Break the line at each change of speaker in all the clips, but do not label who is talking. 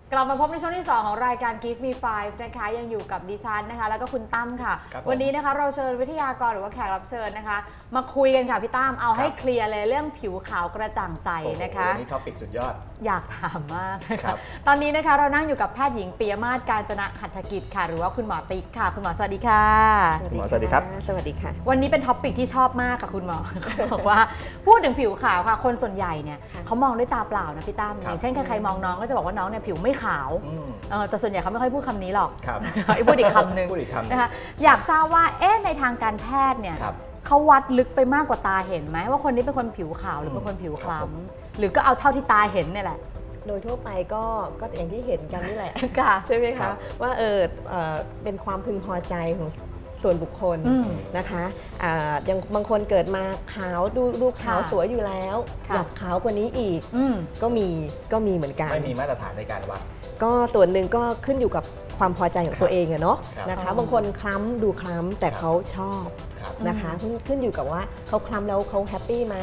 กลับมาพบในช่วงที่ 2ของรายการ Give Me 5นะคะยังอยู่กับดิฉันนะคะแล้วก็คุณตั้มค่ะวันนี้นะคะเราเชิญวิทยากรหรือว่าแขกรับเชิญนะคะมาคุยกันค่ะพี่ตั้มเอาให้เคลียร์เลยเรื่องผิวขาวกระจ่างใสนะคะ
นี่ท็อปิกสุดยอด
อยากถามมากนะคะตอนนี้นะคะเรานั่งอยู่กับแพทย์หญิงปิยมาศ กาญจนะหัตถกิจค่ะหรือว่าคุณหมอติ๊กค่ะคุณหมอสวัสดีค่ะ
คุณหมอสวัสดีครับ
สวัสดีค่ะ
วันนี้เป็นท็อปิกที่ชอบมากค่ะคุณหมอบอกว่าพูดถึงผิวขาวค่ะคนส่วนใหญ่เนี่ยเขามองด้วยตาเปล่านะพี่ตั้มอย่างเช่นใครๆมองน้องก็จะบอกว่าน้องเนี่ยผิวไม่ขาวแต่ส่วนใหญ่เขาไม่ค่อยพูดคำนี้หรอกพูดอีกคำหนึ่งนะคะอยากทราบว่าในทางการแพทย์เนี่ยเขาวัดลึกไปมากกว่าตาเห็นไหมว่าคนนี้เป็นคนผิวขาวหรือเป็นคนผิวคล้ำหรือก็เอาเท่าที่ตาเห็นเนี่ยแหละ
โดยทั่วไปก็อย่างที่เห็นกันนี่แหละใช่ไหมคะว่าเป็นความพึงพอใจของส่วนบุคคลนะคะอย่างบางคนเกิดมาขาวดูขาวสวยอยู่แล้วอยากขาวกว่านี้อีกก็มีเหมือนกัน
ไม่มีมาตรฐานในการวัด
ก็ส่วนหนึ่งก็ขึ้นอยู่กับความพอใจของตัวเองอะเนาะนะคะบางคนคล้ำดูคล้ำแต่เขาชอบนะคะขึ้นอยู่กับว่าเขาคล้ำแล้วเขาแฮปปี้ไหม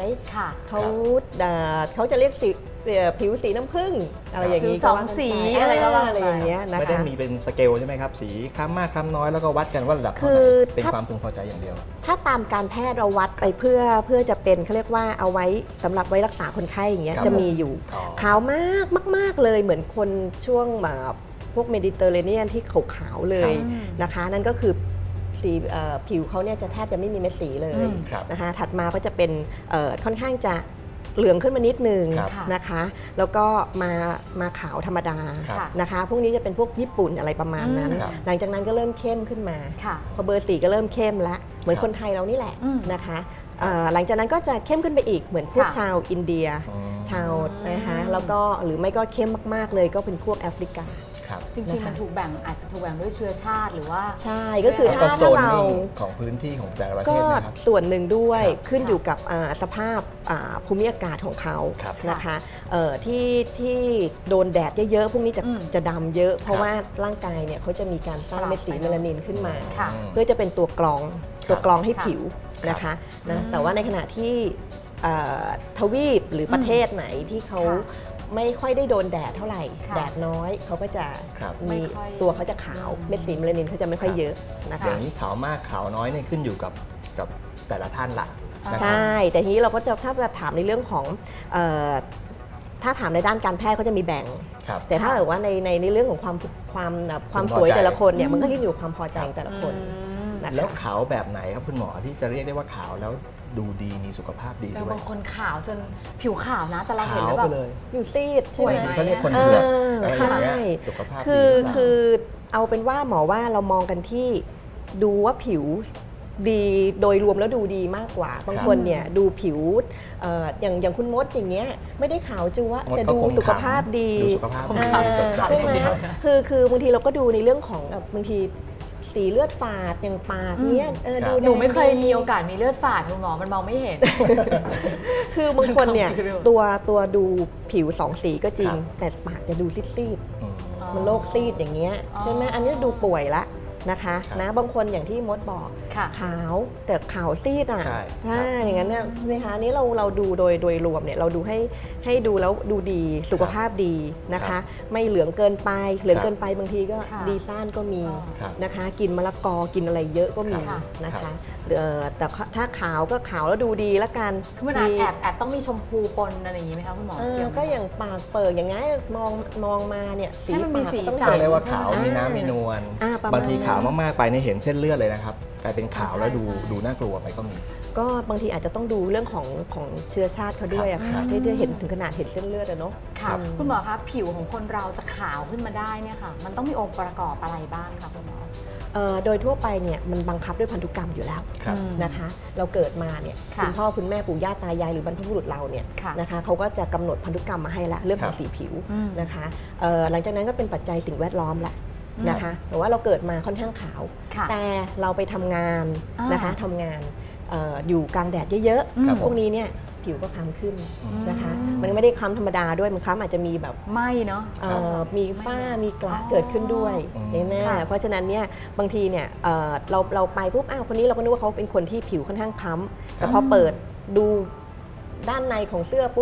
เขาจะเรียกผิวสีน้ำผึ้งอะไรอย่างนี้
สองสีอะไรก็ว่า
อะไรอย่างเงี้ยนะคะ
ไม่ได้มีเป็นสเกลใช่ไหมครับสีคล้ำมากคล้ำน้อยแล้วก็วัดกันว่าระดับเป็นความพึงพอใจอย่างเดียว
ถ้าตามการแพทย์เราวัดไปเพื่อจะเป็นเขาเรียกว่าเอาไว้สำหรับไว้รักษาคนไข้อย่างเงี้ยจะมีอยู่ขาวมากเลยเหมือนคนช่วงแบบพวกเมดิเตอร์เรเนียนที่ขาวเลยนะคะนั่นก็คือสีผิวเขาเนี่ยจะแทบจะไม่มีเม็ดสีเลยนะคะถัดมาก็จะเป็นค่อนข้างจะเหลืองขึ้นมานิดนึงนะคะแล้วก็มาขาวธรรมดานะคะพวกนี้จะเป็นพวกญี่ปุ่นอะไรประมาณนั้นหลังจากนั้นก็เริ่มเข้มขึ้นมาพอเบอร์4ก็เริ่มเข้มละเหมือนคนไทยเรานี่แหละนะคะหลังจากนั้นก็จะเข้มขึ้นไปอีกเหมือนพวกชาวอินเดียชาวนะคะแล้วก็หรือไม่ก็เข้มมากๆเลยก็เป็นพวกแอฟริกา
จริงๆมันถูกแบ่งอาจจะถูกแบ่งด้วยเชื้อชาติหรือว่า
ใช่ก็คือถ้าเรา
ของพื้นที่ของแต่ละประเทศนะครับ
ก็ส่วนหนึ่งด้วยขึ้นอยู่กับสภาพภูมิอากาศของเขานะคะที่โดนแดดเยอะๆพวกนี้จะดำเยอะเพราะว่าร่างกายเนี่ยเขาจะมีการสร้างเม็ดสีเมลานินขึ้นมาเพื่อจะเป็นตัวกรองให้ผิวนะคะแต่ว่าในขณะที่ทวีปหรือประเทศไหนที่เขาไม่ค่อยได้โดนแดดเท่าไหร่แดดน้อยเขาก็จะมีตัวเขาจะขาวเม็ดสีเมลานินเขาจะไม่ค่อยเยอะนะคะ
อย่างนี้ขาวมากขาวน้อยเนี่ยขึ้นอยู่กับแต่ละท่านละ
ใช่แต่ทีนี้เราก็จะถ้าจะถามในเรื่องของถ้าถามในด้านการแพทย์ก็จะมีแบ่งแต่ถ้าเกิดว่าในเรื่องของความสวยแต่ละคนเนี่ยมันก็ขึ้นอยู่ความพอใจของแต่ละคน
แล้วขาวแบบไหนครับคุณหมอที่จะเรียกได้ว่าขาวแล้วดูดีมีสุขภาพดีด้วย
บางคนขาวจนผิวขาวนะแต่เราเห็นแล้วแบบ
อยู่ซีดใช่ไหม
เขาเรียกคนเผือกใช่สุขภาพ
คือเอาเป็นว่าหมอว่าเรามองกันที่ดูว่าผิวดีโดยรวมแล้วดูดีมากกว่าบางคนเนี่ยดูผิวอย่างคุณมดอย่างเงี้ยไม่ได้ขาวจั๊วแต่ดูสุขภาพดีใช่ไหมคือบางทีเราก็ดูในเรื่องของบางทีสีเลือดฝาดอย่างปากเนี้ย
หนูไม่เคยมีโอกาสมีเลือดฝาดคุณหมอมันมองไม่เห็น
คือบางคนเนี่ยตัวดูผิว2สีก็จริงแต่ปากจะดูซีดๆมันโรคซีดอย่างเงี้ยใช่ไหมอันนี้ดูป่วยละนะคะนะบางคนอย่างที่มดบอกขาวแต่ขาวซีดอ่ะใช่อย่างนั้นเนี่ยใช่ไหมคะนี้เราดูโดยรวมเนี่ยเราดูให้ดูแล้วดูดีสุขภาพดีนะคะไม่เหลืองเกินไปบางทีก็ดีซ่านก็มีนะคะกินมะละกอกินอะไรเยอะก็มีนะคะแต่ถ้าขาวก็ขาวแล้วดูดีแล้วกัน
คือมันแอบต้องมีชมพูปนอะไรอย่างนี้ไหมคะคุณหมอ
ก็อย่างปากเปิดอย่างงี้มองมาเนี่ยสีปาก
ต้องเรียกว่าขาวมีน้ำมีนวลบางทีขาวมากๆไปในเห็นเส้นเลือดเลยนะครับกลายเป็นขาวแล้วดูน่ากลัวไปก็มี
ก็บางทีอาจจะต้องดูเรื่องของเชื้อชาติเขาด้วยอะค่ะที่เห็นถึงขนาดเห็นเส้นเลือดอะเนาะ
ค่ะคุณหมอคะผิวของคนเราจะขาวขึ้นมาได้เนี่ยค่ะมันต้องมีองค์ประกอบอะไรบ้างคะคุณหมอ
โดยทั่วไปเนี่ยมันบังคับด้วยพันธุกรรมอยู่แล้วนะคะเราเกิดมาเนี่ยคุณพ่อคุณแม่ปู่ย่าตายายหรือบรรพบุรุษเราเนี่ยนะคะเขาก็จะกำหนดพันธุกรรมมาให้ละเรื่องของสีผิวนะคะหลังจากนั้นก็เป็นปัจจัยสิ่งแวดล้อมละนะคะแต่ว่าเราเกิดมาค่อนข้างขาวแต่เราไปทำงานนะคะทำงานอยู่กลางแดดเยอะๆพวกนี้เนี่ยผิวก็คล้ำขึ้นนะคะมันไม่ได้คล้ำธรรมดาด้วยมันคล้ำอาจจะมีแบบ
ไหม้เนาะ
มีฝ้ามีกระเกิดขึ้นด้วยแน่เพราะฉะนั้นเนี่ยบางทีเนี่ยเราไปปุ๊บคนนี้เราก็นึกว่าเขาเป็นคนที่ผิวค่อนข้างคล้ำแต่พอเปิดดูด้านในของเสื้อปุ๊บ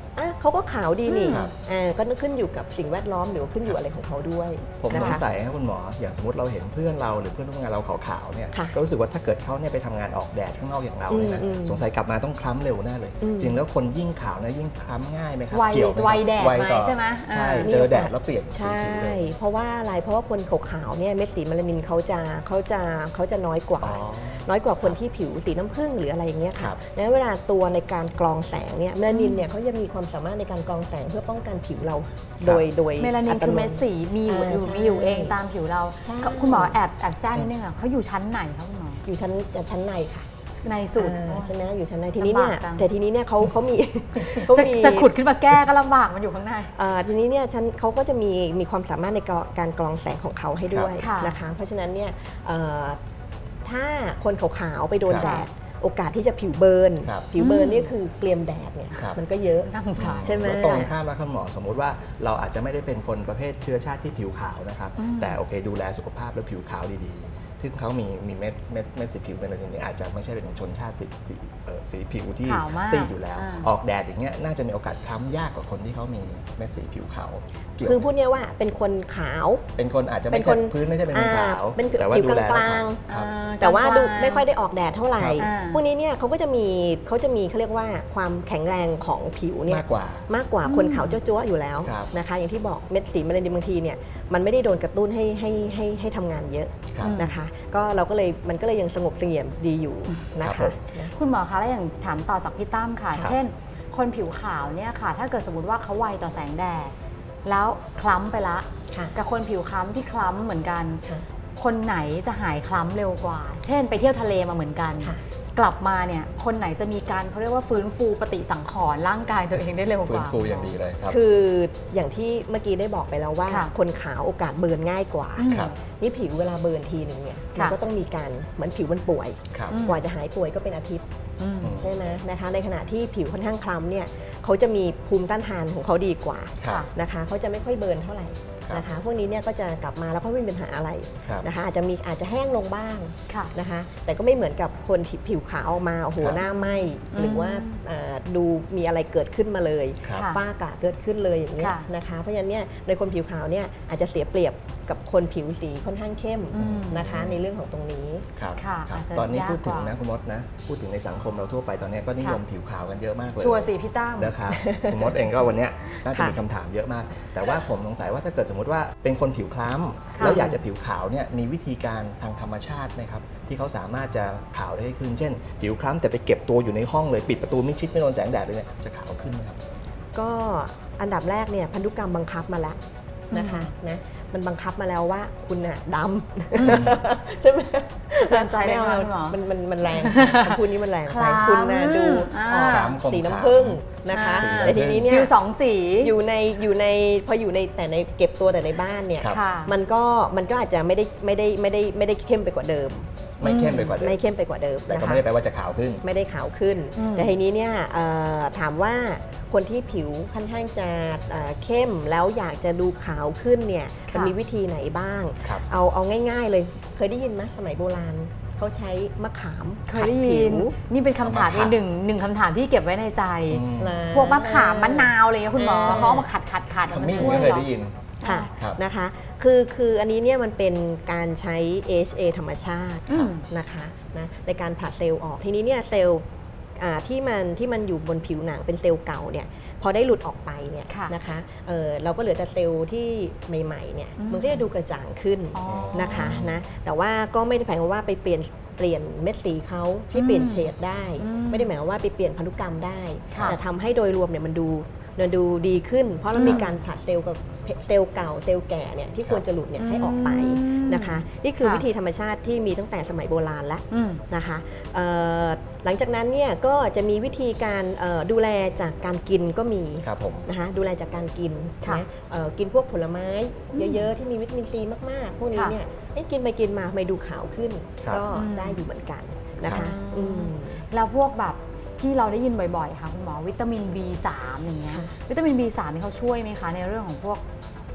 เขาก็ขาวดีนี่ก็ขึ้นอยู่กับสิ่งแวดล้อมหรือขึ้นอยู่อะไรของเขาด้วย
ผมสงสัยนะคุณหมออย่างสมมติเราเห็นเพื่อนเราหรือเพื่อนร่วมงานเราขาวๆเนี่ยก็รู้สึกว่าถ้าเกิดเขาเนี่ยไปทำงานออกแดดข้างนอกอย่างเราเนี่ยนะสงสัยกลับมาต้องคล้ำเร็วแน่เลยจริงแล้วคนยิ่งขาวนะยิ่งคล้ำง่ายไหมครับเกี่ยวไหม
วัยแดดไหมใช่ไหม
ใช่เจอแดดแล้วเปลี่ยนสีผิวเลย
เพราะว่าอะไรเพราะว่าคนขาวๆเนี่ยเม็ดสีเมลานินเขาจะน้อยกว่าคนที่ผิวสีน้ำผึ้งหรืออะไรอย่างเงี้ยค่ะแล้วเวลาตัวในการกรองแสงเนี่ยเมลานินเนี่ยเขาจะมีความสามารถในการกรองแสงเพื่อป้องกันผิวเราโดย
เมลานินคือเม็ดสีมีอยู่เองตามผิวเราคุณหมอแอบแทรกนิดนึงเขาอยู่ชั้นไหนคะคุณหมอ
อยู่ชั้นในค่ะ
ในสุด
ใช่ไหมอยู่ชั้นในทีนี้เนี่ยแต่ทีนี้เนี่ยเขามี
จะขุดขึ้นมาแก้ก็ลำบากมันอยู่ข้างใน
ทีนี้เนี่ยเขาก็จะมีความสามารถในการกรองแสงของเขาให้ด้วยนะคะเพราะฉะนั้นเนี่ยถ้าคนขาวๆไปโดนแดดโอกาสที่จะผิวเบิร์นนี่คือเกลียมแดดเนี่ยมันก็เยอะใช่ไหม
ตรงข้ามแล้วคุณหมอสมมติว่าเราอาจจะไม่ได้เป็นคนประเภทเชื้อชาติที่ผิวขาวนะครับแต่โอเคดูแลสุขภาพแล้วผิวขาวดีๆซึ่งเขามีเม็ดสีผิวเป็นอะไรอย่างนี้อาจจะไม่ใช่เป็นชนชาติสีผิวที่ซีดอยู่แล้วออกแดดอย่างเงี้ยน่าจะมีโอกาสคล้ำยากกว่าคนที่เขามีเม็ดสีผิวขาว
คือพูดง่ายว่าเป็นคนขาว
เป็นคนอาจจะไม่ใช่พื้นไม่ใช่เป็นคนขาว
แต่ว่าดูแลกลางแต่ว่าดูไม่ค่อยได้ออกแดดเท่าไหร่พวกนี้เนี่ยเขาจะมีเขาเรียกว่าความแข็งแรงของผิวเนี่ยมากกว่าคนขาวจั๊วๆอยู่แล้วนะคะอย่างที่บอกเม็ดสีเมลานินบางทีเนี่ยมันไม่ได้โดนกระตุ้นให้ทำงานเยอะนะคะก็มันก็เลยยังสงบเสงี่ยมดีอยู่นะคะ
คุณหมอคะแล้วอย่างถามต่อจากพี่ตั้มค่ะเช่นคนผิวขาวเนี่ยค่ะถ้าเกิดสมมติว่าเขาไวต่อแสงแดดแล้วคล้ำไปละกับคนผิวคล้ำที่คล้ำเหมือนกันคนไหนจะหายคล้ำเร็วกว่าเช่นไปเที่ยวทะเลมาเหมือนกันกลับมาเนี่ยคนไหนจะมีการเขาเรียกว่าฟื้นฟูปฏิสังขรณ์ร่างกายตัวเองได้เร็วกว่า
ฟื้นฟูอย่างดีเลยครับ
คืออย่างที่เมื่อกี้ได้บอกไปแล้วว่าคนขาวโอกาสเบิร์นง่ายกว่านี่ผิวเวลาเบิร์นทีหนึ่งเนี่ยมันก็ต้องมีการเหมือนผิวมันป่วยกว่าจะหายป่วยก็เป็นอาทิตย์ใช่ไหมนะคะในขณะที่ผิวค่อนข้างคล้ำเนี่ยเขาจะมีภูมิต้านทานของเขาดีกว่านะคะเขาจะไม่ค่อยเบิร์นเท่าไหร่นะคะพวกนี้เนี่ยก็จะกลับมาแล้วก็ไม่มีปัญหาอะไรนะคะอาจจะแห้งลงบ้างนะคะแต่ก็ไม่เหมือนกับคนผิวขาวออกมาโอ้โหหน้าไหม้หรือว่าดูมีอะไรเกิดขึ้นมาเลยฝ้ากระเกิดขึ้นเลยอย่างเงี้ยนะคะเพราะฉะนั้นเนี่ยในคนผิวขาวเนี่ยอาจจะเสียเปรียบกับคนผิวสีค่อนข้างเข้มนะคะในเรื่องของตรงนี้
ตอนนี้พูดถึงนะคุณมดนะพูดถึงในสังคมเราทั่วไปตอนนี้ก็นิยมผิวขาวกันเยอะมากเลย
ชัวร์สิพี่ตั้ม
นะครับคุณมดเองก็วันนี้น่าจะมีคำถามเยอะมากแต่ว่าผมสงสัยว่าถ้าเกิดสมมติว่าเป็นคนผิวคล้ำแล้วอยากจะผิวขาวเนี่ยมีวิธีการทางธรรมชาติไหมครับที่เขาสามารถจะขาวได้ขึ้นเช่นผิวคล้ำแต่ไปเก็บตัวอยู่ในห้องเลยปิดประตูมิดชิดไม่โดนแสงแดดเลยเนี่ยจะขาวขึ้นไหมครับ
ก็อันดับแรกเนี่ยพันธุกรรมบังคับมาแล้วนะคะนะมันบังคับมาแล้วว่าคุณน่ะดำใช่ไหม
เตือนใจไม่เอา
มันแรงคุณนี้มันแรงไปคุณน่ะดูสีน้ำผึ้งนะคะแต่ทีนี้เนี่ย
ผิวสองสี
พออยู่ในแต่ในเก็บตัวแต่ในบ้านเนี่ยมันก็อาจจะไม่ได้เข้มไปกว่าเดิม
ไม่เข้มไปกว่าเดิมแต่ก็ไม่ได้แปลว่าจะขาวขึ้น
ไม่ได้ขาวขึ้นแต่ทีนี้เนี่ยถามว่าคนที่ผิวค่อนข้างจะเข้มแล้วอยากจะดูขาวขึ้นเนี่ยจะมีวิธีไหนบ้างเอาง่ายๆเลยเคยได้ยินไหมสมัยโบราณเขาใช้มะขาม
เคยได้ยินนี่เป็นคำถามหนึ่งคำถามที่เก็บไว้ในใจพวกมะขามมะนาวอะไรเงี้ยคุณหมอเขาเอามาขัด
มันช่วยเหรอ
ค่ะนะคะคืออันนี้เนี่ยมันเป็นการใช้ AHA ธรรมชาตินะคะนะในการผลัดเซลล์ออกทีนี้เนี่ยเซลล์ที่มันอยู่บนผิวหนังเป็นเซลล์เก่าเนี่ยพอได้หลุดออกไปเนี่ยนะคะเราก็เหลือแต่เซลล์ที่ใหม่ๆเนี่ยมันก็จะดูกระจ่างขึ้นนะคะนะแต่ว่าก็ไม่ได้หมายความว่าไปเปลี่ยนเม็ดสีเขาให้เปลี่ยนเฉดได้ไม่ได้หมายความว่าไปเปลี่ยนพันธุกรรมได้แต่ทำให้โดยรวมเนี่ยมันดูดีขึ้นเพราะเรามีการผลัดเซลล์กับเซลล์เก่าเซลล์แก่เนี่ยที่ควรจะหลุดเนี่ยให้ออกไปนะคะนี่คือวิธีธรรมชาติที่มีตั้งแต่สมัยโบราณแล้วนะคะหลังจากนั้นเนี่ยก็จะมีวิธีการดูแลจากการกินก็มีนะคะดูแลจากการกินนะกินพวกผลไม้เยอะๆที่มีวิตามินซีมากๆพวกนี้เนี่ยกินไปกินมาไม่ดูขาวขึ้นก็ได้อยู่เหมือนกันนะคะ
แล้วพวกแบบที่เราได้ยินบ่อยๆค่ะคุณหมอวิตามิน B3 อย่างเงี้ยวิตามิน B3 นี่เขาช่วยไหมคะในเรื่องของพวก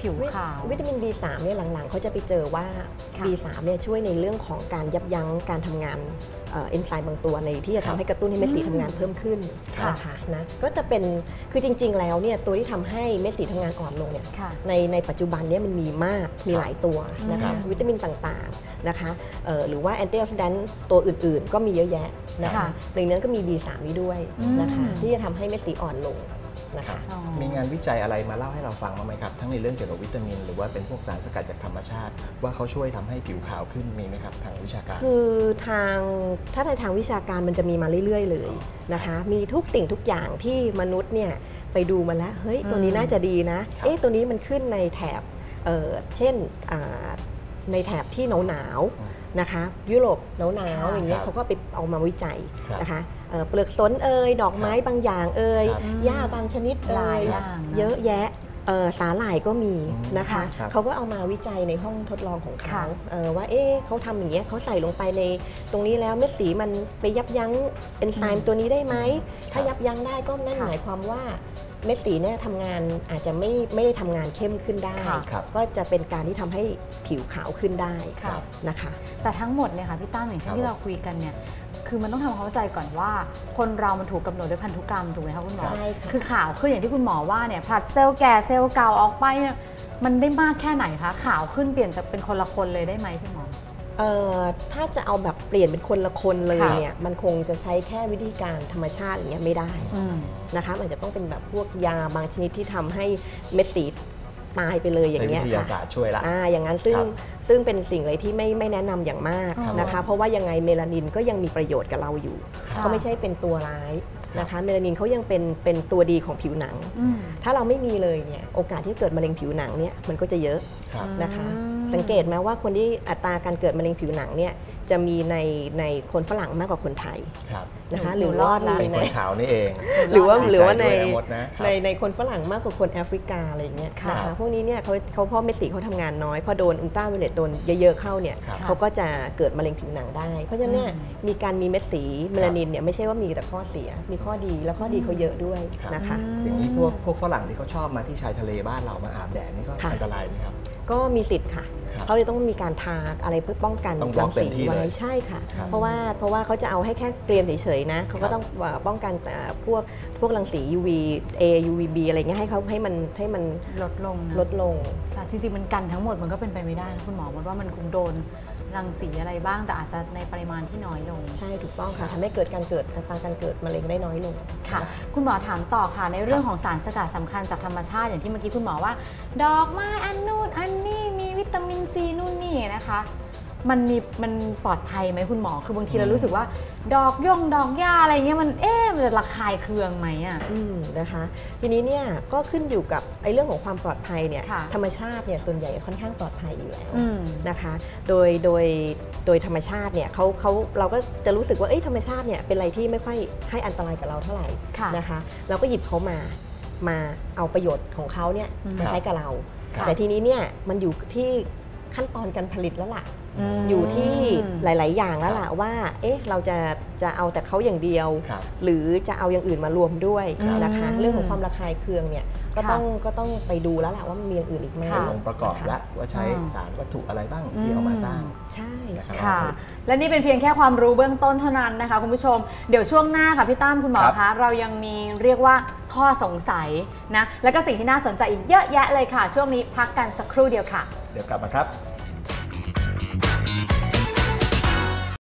ผิวขาว
วิตามิน B3 เนี่ยหลังๆเขาจะไปเจอว่า B3 เนี่ยช่วยในเรื่องของการยับยั้งการทำงานเอนไซม์บางตัวในที่จะทำให้กระตุ้นให้เม็ดสีทำงานเพิ่มขึ้นนะคะนะก็จะเป็นคือจริงๆแล้วเนี่ยตัวที่ทำให้เม็ดสีทำงานอ่อนลงเนี่ยในปัจจุบันเนี่ยมันมีมากมีหลายตัวนะคะวิตามินต่างๆนะคะหรือว่าแอนตี้ออกซิแดนต์ตัวอื่นๆก็มีเยอะแยะนะคะหนึ่งนั้นก็มี B3 นี้ด้วยนะคะที่จะทำให้เม็ดสีอ่อนลงนะคะ
มีงานวิจัยอะไรมาเล่าให้เราฟังบ้างไหมครับทั้งในเรื่องเกี่ยวกับวิตามินหรือว่าเป็นพวกสารสกัดจากธรรมชาติว่าเขาช่วยทำให้ผิวขาวขึ้นมีไหมครับทางวิชาการ
คือถ้าในทางวิชาการมันจะมีมาเรื่อยๆเลยนะคะมีทุกสิ่งทุกอย่างที่มนุษย์เนี่ยไปดูมาแล้วเฮ้ยตัวนี้น่าจะดีนะตัวนี้มันขึ้นในแถบเช่นในแถบที่หนาวนะคะยุโรปหนาวอย่างเงี้ยเขาก็ไปเอามาวิจัยนะคะเปลือกสนดอกไม้บางอย่างหญ้าบางชนิดเยอะแยะสาหร่ายก็มีนะคะเขาก็เอามาวิจัยในห้องทดลองของเขาว่าเขาทำอย่างเงี้ยเขาใส่ลงไปในตรงนี้แล้วเม็ดสีมันไปยับยั้งเอนไซม์ตัวนี้ได้ไหมถ้ายับยั้งได้ก็นั่นหมายความว่าเม็ดสีเนี่ยทำงานอาจจะไม่ได้ทำงานเข้มขึ้นได้ก็จะเป็นการที่ทำให้ผิวขาวขึ้นได้นะคะ
แต่ทั้งหมดเนี่ยค่ะพี่ตั้มอย่างที่เราคุยกันเนี่ยคือมันต้องทำความเข้าใจก่อนว่าคนเรามันถูกกำหนดด้วยพันธุกรรมถูกไหมคะคุณหมอคือขาวขึ้นอย่างที่คุณหมอว่าเนี่ยผลัดเซลล์แก่เซลล์เก่าออกไปเนี่ยมันได้มากแค่ไหนคะขาวขึ้นเปลี่ยนจากเป็นคนละคนเลยได้ไหมคุณหมอ
ถ้าจะเอาแบบเปลี่ยนเป็นคนละคนเลยเนี่ยมันคงจะใช้แค่วิธีการธรรมชาติอย่างเงี้ยไม่ได้นะคะมันจะต้องเป็นแบบพวกยาบางชนิดที่ทำให้เม็ดสีตายไปเลยอย่างเงี้ย
วิทยาศาสตร์ช่วยละ
อย่างนั้นซึ่งเป็นสิ่งเลยที่ไม่แนะนำอย่างมากนะคะเพราะว่ายังไงเมลานินก็ยังมีประโยชน์กับเราอยู่เขาไม่ใช่เป็นตัวร้ายนะคะเมลานินเขายังเป็นตัวดีของผิวหนังถ้าเราไม่มีเลยเนี่ยโอกาสที่เกิดมะเร็งผิวหนังเนี่ยมันก็จะเยอะนะคะสังเกตไหมว่าคนที่อัตราการเกิดมะเร็งผิวหนังเนี่ยจะมีในคนฝรั่งมากกว่าคนไทยนะคะหรือว่า
ในคนขาวนี่เอง
หรือว่าในคนฝรั่งมากกว่าคนแอฟริกาอะไรอย่างเงี้ยนะคะพวกนี้เนี่ยเขาพอเม็ดสีเขาทำงานน้อยพอโดนอุลตราไวโอเลตโดนเยอะๆเข้าเนี่ยเขาก็จะเกิดมะเร็งผิวหนังได้เพราะฉะนั้นเนี่ยมีการมีเม็ดสีเมลานินเนี่ยไม่ใช่ว่ามีแต่ข้อเสียมีข้อดีแล้วข้อดีเขาเยอะด้วยนะคะ
อย่างนี้พวกฝรั่งที่เขาชอบมาที่ชายทะเลบ้านเรามาอาบแดดนี่ก็อันตรายไหมครับ
ก็มีสิทธิ์ค่ะเขาเลยต้องมีการทาอะไรเพื่อป้องกัน
รังสี
ไว้ใช่ค่ะเพราะว่าเขาจะเอาให้แค่เกรียมเฉยๆนะเขาก็ต้องป้องกันพวกรังสี UV A UVB อะไรเงี้ยให้มัน
ลดลงจริงๆมันกันทั้งหมดมันก็เป็นไปไม่ได้นะคุณหมอว่ามันคงโดนรังสีอะไรบ้างแต่อาจจะในปริมาณที่น้อยลง
ใช่ถูกต้องค่ะทำให้เกิดอัตราการเกิดมะเร็งได้น้อยลง
ค่ะคุณหมอถามต่อค่ะในเรื่องของสารสกัดสำคัญจากธรรมชาติอย่างที่เมื่อกี้คุณหมอว่าดอกไม้อันนู่นอันนี้มีวิตามินซีนู่นนี่นะคะมันปลอดภัยไหมคุณหมอคือบางทีเรารู้สึกว่าดอกหญ้าอะไรเงี้ยมันจะระคายเคืองไหมอ่ะ
นะคะทีนี้เนี่ยก็ขึ้นอยู่กับเรื่องของความปลอดภัยเนี่ยธรรมชาติเนี่ยส่วนใหญ่ค่อนข้างปลอดภัยอยู่แล้วนะคะโดยธรรมชาติเนี่ยเราก็จะรู้สึกว่าธรรมชาติเนี่ยเป็นอะไรที่ไม่ค่อยให้อันตรายกับเราเท่าไหร่นะคะเราก็หยิบเขามาเอาประโยชน์ของเขาเนี่ยมาใช้กับเราแต่ทีนี้เนี่ยมันอยู่ที่ขั้นตอนการผลิตแล้วล่ะอยู่ที่หลายๆอย่างแล้วล่ะว่าเราจะเอาแต่เขาอย่างเดียวหรือจะเอาอย่างอื่นมารวมด้วยนะคะเรื่องของความระคายเคืองเนี่ยก็ต้องไปดูแล้วล่ะว่ามันมีอย่างอื่นอีกไหม
องค์ประกอบและว่าใช้สารวัตถุอะไรบ้างที่เอามาสร้าง
ใช่
ค่ะและนี่เป็นเพียงแค่ความรู้เบื้องต้นเท่านั้นนะคะคุณผู้ชมเดี๋ยวช่วงหน้าค่ะพี่ตั้มคุณหมอคะเรายังมีเรียกว่าข้อสงสัยนะแล้วก็สิ่งที่น่าสนใจอีกเยอะแยะเลยค่ะช่วงนี้พักกันสักครู่เดียวค่ะ
เดี๋ยวกลับมาครับ